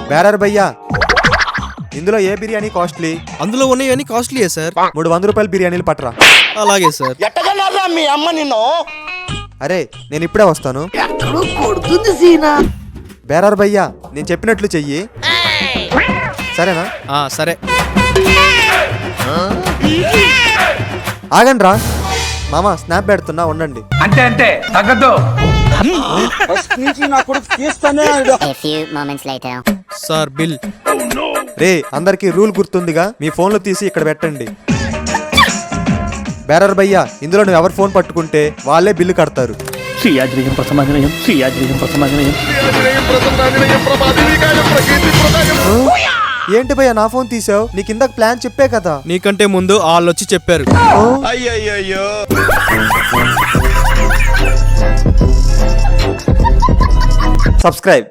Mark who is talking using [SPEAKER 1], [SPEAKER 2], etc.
[SPEAKER 1] Bearer భయ్యా, ఇందులో ఏ biryani costly?
[SPEAKER 2] అందులో ఉన్నవన్నీ కాస్ట్లీయే సార్.
[SPEAKER 1] 300 రూపాయల బిర్యానీలు పట్టరా.
[SPEAKER 2] అలాగే సార్.
[SPEAKER 3] మీ అమ్మ నిన్ను.
[SPEAKER 1] అరే నేను ఇప్పుడే వస్తాను. బేరర్ భయ్యా, నేను చెప్పినట్లు చెయ్యి, సరేనా?
[SPEAKER 2] సరే.
[SPEAKER 1] ఆగండి రా మామ, స్నాప్ పెడుతున్నా ఉండండి.
[SPEAKER 4] అంతే తగ్గదు.
[SPEAKER 2] Sir bill.
[SPEAKER 1] రే అందరికి రూల్ గుర్తుందిగా, మీ ఫోన్లు తీసి ఇక్కడ పెట్టండి. బేరర్ భయ్యా, ఇందులో నువ్వు ఎవరు ఫోన్ పట్టుకుంటే వాళ్ళే బిల్లు కడతారు. ఏంటి భయ్యా నా ఫోన్ తీసావు? నీకు ఇందాక ప్లాన్ చెప్పే కదా.
[SPEAKER 2] నీకంటే ముందు వాళ్ళు వచ్చి చెప్పారు.
[SPEAKER 3] అయ్యయ్యో.
[SPEAKER 1] సబ్స్క్రైబ్.